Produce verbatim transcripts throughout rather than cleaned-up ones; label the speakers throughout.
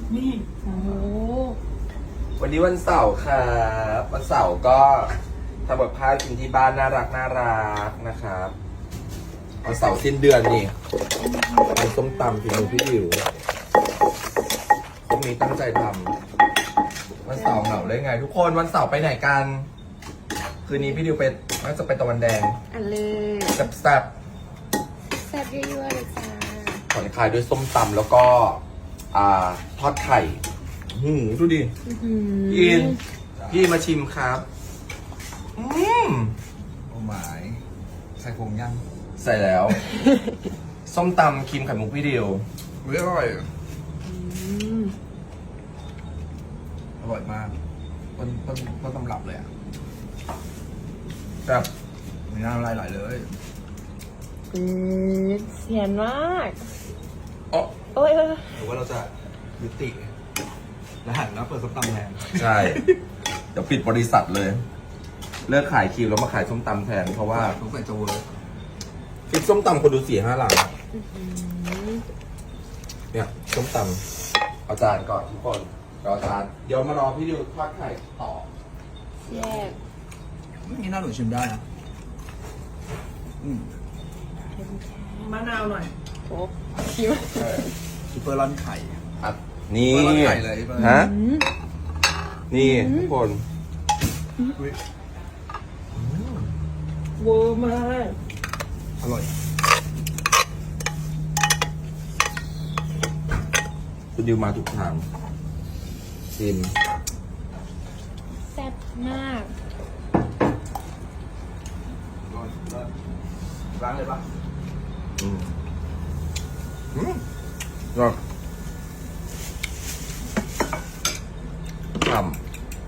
Speaker 1: นี่โอ้โห
Speaker 2: วันนี้วันเสาร์ครับวันเสาร์ก็ทำแบบข้าวกินที่บ้านน่ารักน่ารักนะครับวันเสาร์สิ้นเดือนนี่ทำส้มตำฝีมือพี่ดิวพวกนี้ตั้งใจทำวันเสาร์เหงาได้ไง ทุกคนวันเสาร์ไปไหนกันคืนนี้พี่ดิวไปน่าจะไปตะวันแดง
Speaker 1: อันเลย
Speaker 2: แซ่บ
Speaker 1: แซ่บยั่วๆเลยจ้า
Speaker 2: ๆผ่อนคลายด้วยส้มตำแล้วก็อ่าทอดไข่หืมดูดิ
Speaker 1: อื้อหือ
Speaker 2: อินพี่มาชิมครับอืม
Speaker 3: โอ้หมายใส่ผงยัง
Speaker 2: ใส่แล้ว ส้มตำครีมไข่มุกพี่ดิว
Speaker 3: เฮ้ยอร่อย
Speaker 1: อืม
Speaker 3: อร่อยมากต้นต้นต้นตำรับเลยอ่ะ
Speaker 2: แบบ
Speaker 3: มีน้ำลายไหลเลย
Speaker 1: อืมเสียนมาก
Speaker 2: อ๋อ
Speaker 1: โอ้ยเออ
Speaker 3: หรือว่าเราจะยุติแล้วหันแล้วเปิดส้มตำแทน
Speaker 2: ใช่เดี๋ยวปิดบริษัทเลย เลิกขายครีมแล้วมาขายส้มตำแทน เพราะว่า
Speaker 3: ต้องใส่จะเวิร์ก
Speaker 2: คลิปส้มตำคนดูสี่ห้าหลัง
Speaker 1: อื้อหือ
Speaker 2: เนี่ยส้มตำเอาจารย์ก่อนทุกคนรอจานเดี๋ยวมารอพี่ดิวทอดไข่ต่อ
Speaker 1: แยก
Speaker 3: นี่น่าหนูชิมได้นะอืม
Speaker 1: มะนาวหน่อยโอ้ชิม
Speaker 3: ซุปเปอร์ร้อนไข่
Speaker 2: อัดนี่
Speaker 3: เปิดไข่เลยเปิด
Speaker 2: ฮะ
Speaker 1: อืม
Speaker 2: นี่ทุกคน
Speaker 3: อุ๊ย
Speaker 1: เวอร์มาก
Speaker 3: อร่อย
Speaker 2: คุณดิวมาถูกทางชิม
Speaker 1: แซ่บมาก
Speaker 3: อร่อยเลิศล้างเลยปะ
Speaker 2: อืมอืมก็ทำ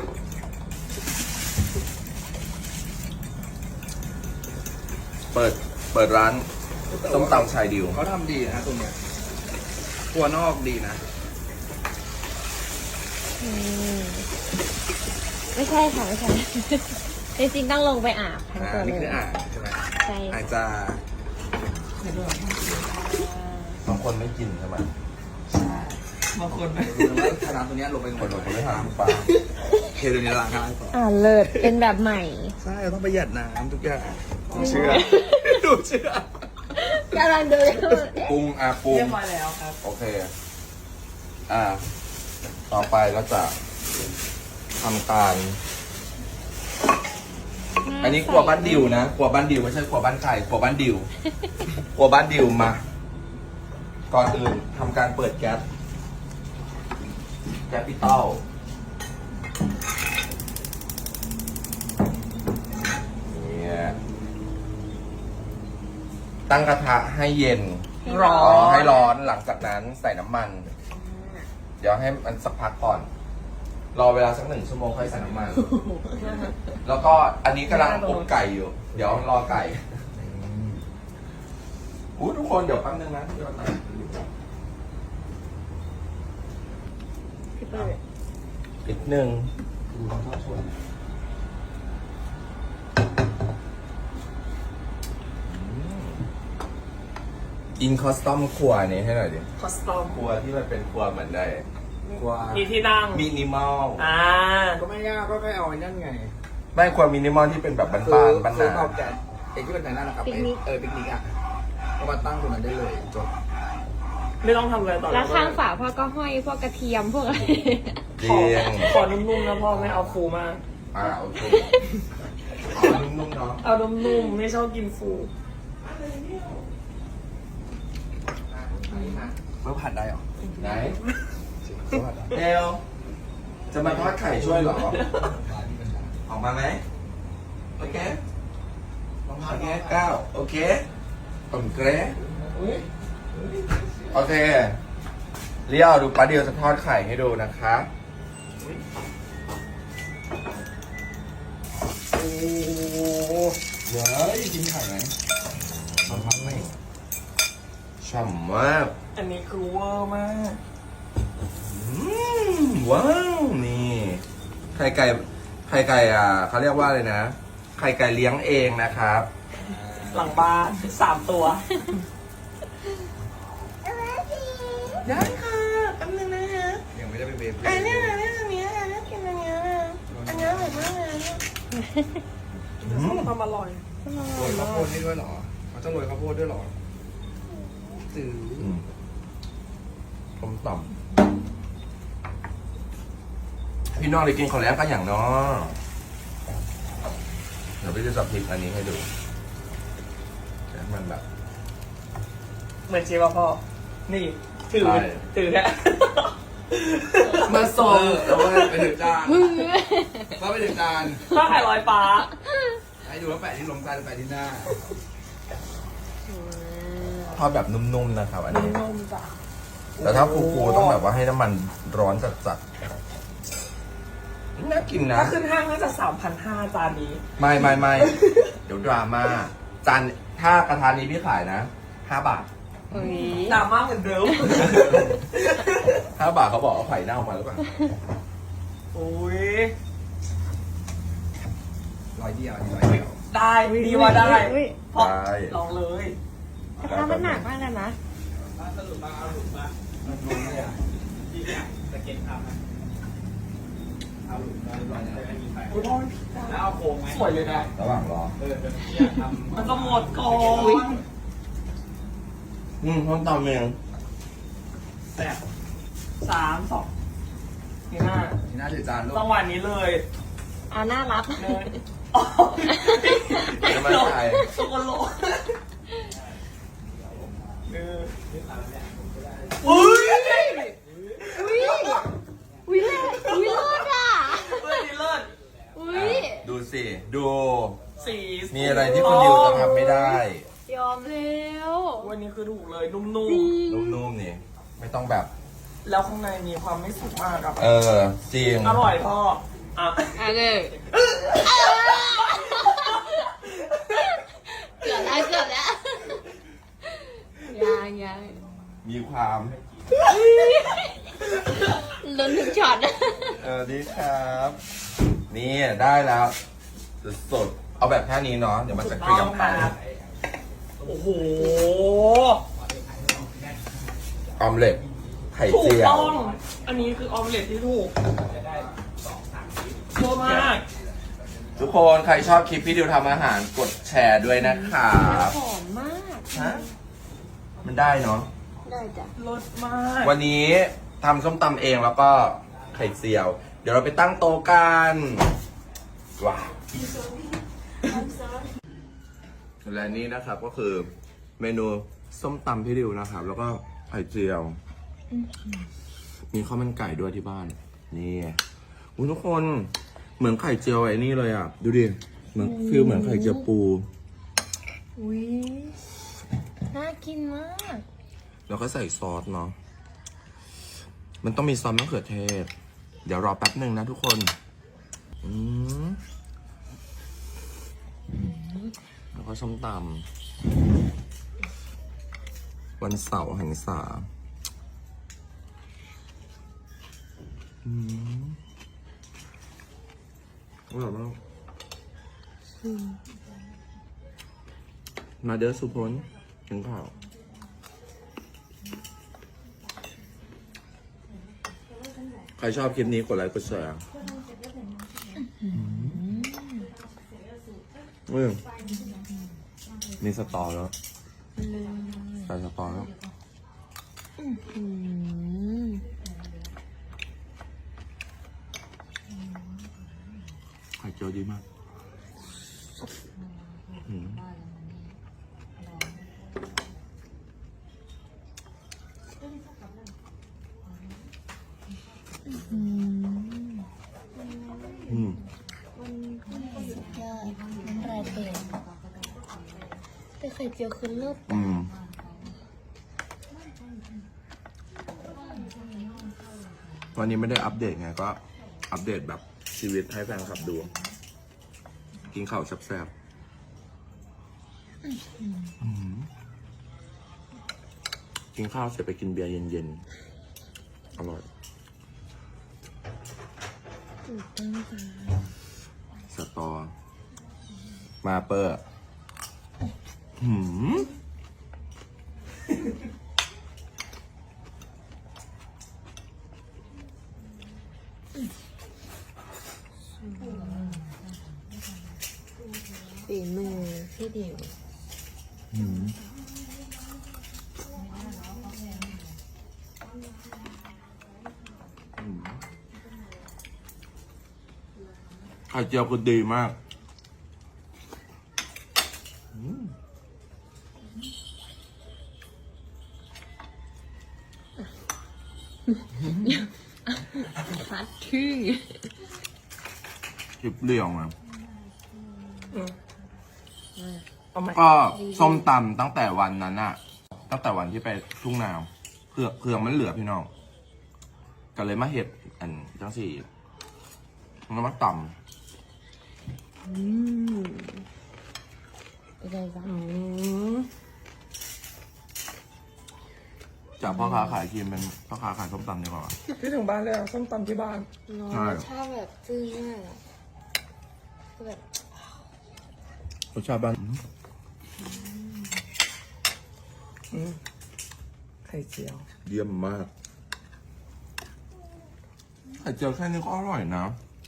Speaker 2: เปิด เปิดร้านส้มตำชายดิว
Speaker 3: เขาทำดีนะตรงเนี้ยครัวนอกดีนะ
Speaker 1: อืมไม่ใช่ค่ะไม่ใช่ จริงๆต้องลงไปอาบทั้ง
Speaker 3: อ่า
Speaker 1: ตัวเล
Speaker 3: นี่
Speaker 1: ย
Speaker 3: คืออ่างใช่ไหม
Speaker 1: ใช่
Speaker 3: อาจจะ
Speaker 2: บางคนไม่กินใช่ไหม
Speaker 3: บางคนคือว่าถ้าน้ำตัวเนี้ยลงไป
Speaker 2: คนบางคนไม่ทานปลา
Speaker 3: เทตัวนี้ล้างให้ก่อน
Speaker 1: อ่าเลิศเป็นแบบใหม่
Speaker 3: ใช่เราต้องประหยัดน้ำทุกอย่างดูเชื่อดูเชื่อก
Speaker 1: ำลังดู
Speaker 2: ปรุงอ่ะปรุง
Speaker 1: เรียบร้อยแล้วครับ
Speaker 2: โอเค อ่า ต่อไปเราจะทำการ อันนี้ครัวบ้านดิวนะครัวบ้านดิวไม่ใช่ครัวบ้านใครครัวบ้านดิวครัวบ้านดิวมา ก่อนอื่นทำการเปิดแก๊สแก๊สปิตอลเนี่ยตั้งกระทะให้เย็น
Speaker 1: ร้อ
Speaker 2: อ๋อน ให้ร้อนหลังจากนั้นใส่น้ำมัน เดี๋ยวให้มันสักพักก่อน รอเวลาสักหนึ่งชั่วโมงค่อยใส่น้ำมัน แล้วก็อันนี้กำลังอบไก่อยู่ เดี๋ยวรอไก่อู้ทุกคนเดี๋ยวแป๊บนึงนะเดี๋ยวนะ
Speaker 1: พี่เปิด
Speaker 2: อีกหนึ่งอินคอสตอมครัวนี้ให้หน่อยดิ
Speaker 4: คอสตอม
Speaker 2: ครัวที่มันเป็นครัวเหมือนได้
Speaker 3: กลัว
Speaker 4: มีที่นั่ง
Speaker 2: มินิมอล
Speaker 4: อ่า
Speaker 3: ก็ไม่ยากก็แค่เอาไอ้นั่นไง
Speaker 2: ไม่ครัวมินิมอลที่เป็นแบบบ้านๆบ้าน
Speaker 3: คือ
Speaker 2: นา
Speaker 3: เอาแกะไอ้ที่เป็นไหนนั่นนะครับไอ้เออปิกนิกอ่ะก็มาตั้งตรงนั้นได้เลยจบ
Speaker 4: ไม่ต้องทำอะไรต่อ
Speaker 1: แล้วข้างฝาพ่อก็ห้อยพวกกระเทียมพวกอะไร
Speaker 2: จริ
Speaker 4: ของ ขอนุ่มๆนะพ่อไม่เอาฟูมาก
Speaker 2: อ่าโอเคขอนุ่มๆเนาะ
Speaker 4: เอานุ่มๆไม่ชอบกินฟู
Speaker 3: เมื่อผัดได้หรอ
Speaker 2: ไหน
Speaker 3: เมื่อผัดได้
Speaker 2: เอลจะมาทอดไข่ช่วยเหรอ ออกมาไหมโอเคโอเคเก้าโอเคผมเกรโอเคเลี้ยวดูป้าเดียวจะทอดไข่ให้ดูนะคะโอ้เดี๋ยวกินไข่ไหม
Speaker 3: ทำพักไหม
Speaker 2: ฉ่ำมาก
Speaker 4: อันนี้คือเวอร์มาก
Speaker 2: อืมว้าวนี่ไข่ไก่ไข่ไก่อ่ะเขาเรียกว่าอะไรนะไข่ไก่เลี้ยงเองนะครับ
Speaker 4: หลังบ้านสามตัว
Speaker 2: ได้ค่ะแป๊บนึงนะฮะ
Speaker 3: ยังไม่
Speaker 1: อันนี้อันนี้อันนี้อันนี้กินอันนี้อันนี้อร่อยมากเลยเนี่ย
Speaker 4: ส้มตำอร่อย
Speaker 3: โรยข้าวโพดนี่ด้วยเหรอเขาต้องโรยข้าวโพดด้วยเหรอจืด
Speaker 2: อืมต้มต่ำพี่น้องได้กินของแล้วกันอย่างเนาะเดี๋ยวพี่จะจับพริกอันนี้ให้ดูให้มันแบบ
Speaker 4: เหมือนเชฟอะพ่อ นี่ถือ
Speaker 2: ใช่
Speaker 4: ถือแค่
Speaker 3: มาส่งแล้วว่าไปถึงจานว่าไปถึงจาน
Speaker 4: ถ้าไข่ลอยฟ้า
Speaker 3: ให้ดูว่าแปะที่ลงจานหรือแปะที่หน้า
Speaker 2: ทอดแบบนุ่มๆนะครับ อันนี้
Speaker 4: นุ่มๆจ้ะ
Speaker 2: แต่ถ้าฟูๆต้องแบบว่าให้น้ำมันร้อนจัดๆน่ากินนะ
Speaker 4: ถ้าขึ้นห้างน่าจะสามพันห้าจานนี้
Speaker 2: ไม่ไม่ไม่ เดี๋ยวดราม่าจานถ้ากระทานนี้พี่ขายนะห้าบาท
Speaker 1: อุ้ย
Speaker 4: ดราม่าเหมือนเดิม
Speaker 2: ห้าบาทเขาบอกเอาไข่เน่ามาหรือเปล่า
Speaker 4: โอ้ย
Speaker 3: ร้อยเดียวอันนี้ร้อยเดียว
Speaker 4: ได้ดีว่าได้
Speaker 1: อุ้ย
Speaker 4: พอ
Speaker 2: ได้
Speaker 4: ลองเลย
Speaker 1: กระทะมันหนักมากเลยนะ
Speaker 4: คุณพ่อแล้วเอาโค้งไหมสวยเลยนะ
Speaker 2: ระหว่างรอ
Speaker 4: มันจะหมดก่อน
Speaker 2: อืมต้มตำเอง
Speaker 4: แซ่บสามสองนี่หน้า
Speaker 3: ที่หน้าถือจานลูก
Speaker 4: จังหวะนี้เลย
Speaker 1: เอาน่ารัก
Speaker 4: เนยอ๋อ
Speaker 2: จะไม่ใช่
Speaker 4: สกโลเอออุ้ย
Speaker 1: อุ้ยอุ้ยเลิศอุ้ยเลิศอ่ะ
Speaker 4: เลิศดีเลิศ
Speaker 1: อุ้ย
Speaker 2: ดูสิ ดู
Speaker 4: สี
Speaker 2: มีอะไรที่คุณดิวจะทำไม่ได้
Speaker 1: ยอมแล้ว
Speaker 4: วันนี้คือถูกเลยนุ่ม
Speaker 2: นุ่มๆนี่ ไม่ต้องแบบ
Speaker 4: ๆ แล้วข้างในมีความไม่สุกมากครับ
Speaker 2: เออ จริง
Speaker 4: อร่อยพ่ออ่ะ
Speaker 1: อ่ะเลยเกือบแล้วเกือบแล้วยังยัง
Speaker 2: มีความ
Speaker 1: ลุ้นถึงช็อต
Speaker 2: เออดีครับ นี่ได้แล้วสดๆเอาแบบแค่นี้เนาะ เดี๋ยวมันจะเกรียมไป
Speaker 4: โอ้โห
Speaker 2: ออมเล็ตไข่
Speaker 4: ถูก
Speaker 2: เจียว
Speaker 4: ต้อง อันนี้คือออมเล็ตที่ถูกเยอะมาก
Speaker 2: ทุกคนใครชอบคลิปพี่ดิวทำอาหารกดแชร์ด้วยนะครับ
Speaker 1: หอมมาก
Speaker 2: ฮะมันได้เนาะ
Speaker 1: ได้จ้ะ
Speaker 4: รสมาก
Speaker 2: วันนี้ทำส้มตำเองแล้วก็ไข่เจียว เดี๋ยวเราไปตั้งโต๊ะกันว้าวและนี่นะครับก็คือเมนูส้มตำพี่ดิวนะครับ แล้วก็ไข่เจียว มีข้าวมันไก่ด้วยที่บ้าน นี่อุ๊ยทุกคนเหมือนไข่เจียวไอ้นี่เลยอ่ะ ดูดิเหมือนฟิลเหมือนไข่เจียวปู
Speaker 1: อุ้ยน่ากินมาก
Speaker 2: แล้วก็ใส่ซอสเนาะ มันต้องมีซอสมะเขือเทศ เดี๋ยวรอแป๊บหนึ่งนะทุกคน อืมแล้วก็ส้มตำวันเสาร์แห่งสาอืมอร่อยมากมาเด้อสุพลถึงข่าว ใครชอบคลิปนี้กดไลค์กดแชร์อืมมีสตอแล้วใส่สตอแล้วไข่เจียวดีมากอืมอืม
Speaker 1: สุดยอดน้ำลายเต็มแต่ไข่เจียวคือเลิศ
Speaker 2: อืมวันนี้ไม่ได้อัปเดตไงก็อัปเดตแบบชีวิตให้แฟนคลับดู กินข้าวแซ่บๆอืมกินข้าวเสร็จไปกินเบียร์เย็นๆ อร่อย สตอ มาเปอร์หืม
Speaker 1: ฝีมือพี่ดิว
Speaker 2: อืมไข่เจียวคือดีมากอืม
Speaker 1: ฮัทชื่อ
Speaker 2: คลิปเรียวมา
Speaker 3: เอาไหม
Speaker 2: ก็ส้มตำตั้งแต่วันนั้นอะตั้งแต่วันที่ไปทุ่งนาวเครื่องเครื่องมันเหลือพี่น้องก็เลยมาเห็ดอันจังสี่มันมาต
Speaker 1: อืมเป็นไงบ้าง
Speaker 3: อืม
Speaker 2: ำจากพ่อค้าขายครีมเป็นพ่อค้าขายส้มตำดีกว่า
Speaker 3: พี่ถึงบ้านเลยอ่ะส้มตำที่บ้าน
Speaker 1: น้อง
Speaker 2: ใช่
Speaker 1: รสชาติแบบซึ้งมากอะคือแบบ
Speaker 2: รสชาติบ้าน
Speaker 3: อืมไข่เจียว
Speaker 2: เยี่ยมมากไข่เจียวแค่นี้ก็อร่อยนะ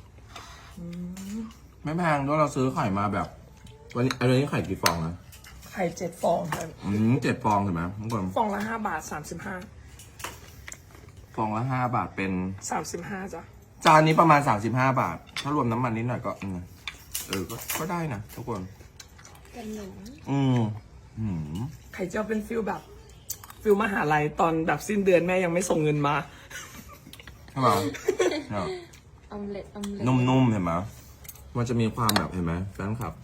Speaker 2: ไม่แพงด้วยเราซื้อไข่มาแบบ วันนี้อันนี้ไข่กี่ฟองนะ
Speaker 3: ไข่เจ็ดฟองครับ
Speaker 2: อืมเจ็ดฟองใช่ไหมทุกคน
Speaker 3: ฟองละห้าบาทสามสิบห้า
Speaker 2: ฟองละห้าบาทเป็น
Speaker 3: สามสิบห้าจ้ะ
Speaker 2: จานนี้ประมาณสามสิบห้าบาท ถ้ารวมน้ำมันนิดหน่อยก็อืมเออก็ก็ได้นะทุกคน
Speaker 1: กันหนู
Speaker 2: อืมอืม
Speaker 3: ไข่เจียวเป็นฟิลแบบฟิลมหาลัยตอนแบบสิ้นเดือนแม่ยังไม่ส่งเงินมา
Speaker 2: ใช่ไหมเนี่ย
Speaker 1: ออมเล็ตออมเล็ต
Speaker 2: นุ่มๆเห็นไหมมันจะมีความแบบเห็นไหมแฟนคลับ